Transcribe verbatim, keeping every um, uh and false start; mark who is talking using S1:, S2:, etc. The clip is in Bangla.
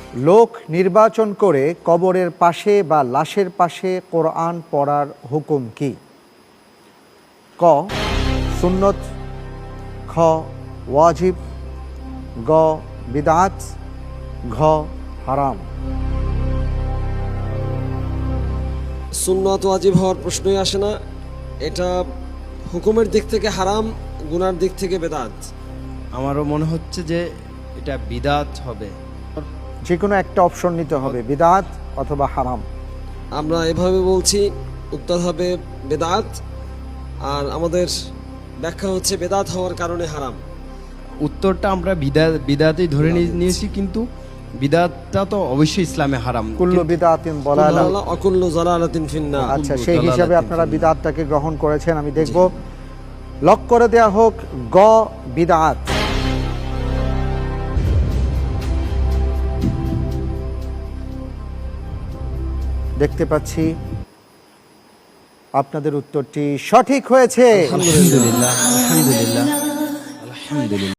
S1: লোক নির্বাচন করে কবরের পাশে বা লাশের পাশে কোরআন পড়ার হুকুম কি? ক সুন্নত, খ ওয়াজিব, গ বিদআত, ঘ হারাম।
S2: সুন্নত ওয়াজিব হওয়ার প্রশ্নই আসে না। এটা হুকুমের দিক থেকে হারাম, গুনার দিক থেকে বেদাত।
S3: আমারও মনে হচ্ছে যে এটা বিদাত হবে।
S1: যে কোনো একটা অপশন নিতে হবে, বিদআত অথবা হারাম।
S2: আমরা এভাবে বলছি, উত্তর হবে বেদাত। আর আমাদের ব্যাখ্যা হচ্ছে বেদাত হওয়ার কারণে হারাম।
S3: উত্তরটা আমরা বিদাত বিদাতেই ধরে নিয়ে- নিয়েছি, কিন্তু বিদাতটা তো অবশ্যই ইসলামে হারাম।
S1: কুল্লু বিদআতিন দালালা।
S2: অকুল্লু যালালাতিন ফিন্নার।
S1: আচ্ছা,
S3: কুল্লু
S1: সেই
S3: দালালাতিন
S1: হিসাবে আপনারা
S3: ফিন্নার।
S1: বিদআতটাকে গ্রহণ করেছেন। আমি দেখব, লক করে দেয়া হোক গ বিদআত। দেখতে পাচ্ছি আপনাদের উত্তরটি সঠিক হয়েছে।
S3: আলহামদুলিল্লাহ, আলহামদুলিল্লাহ, আলহামদুলিল্লাহ।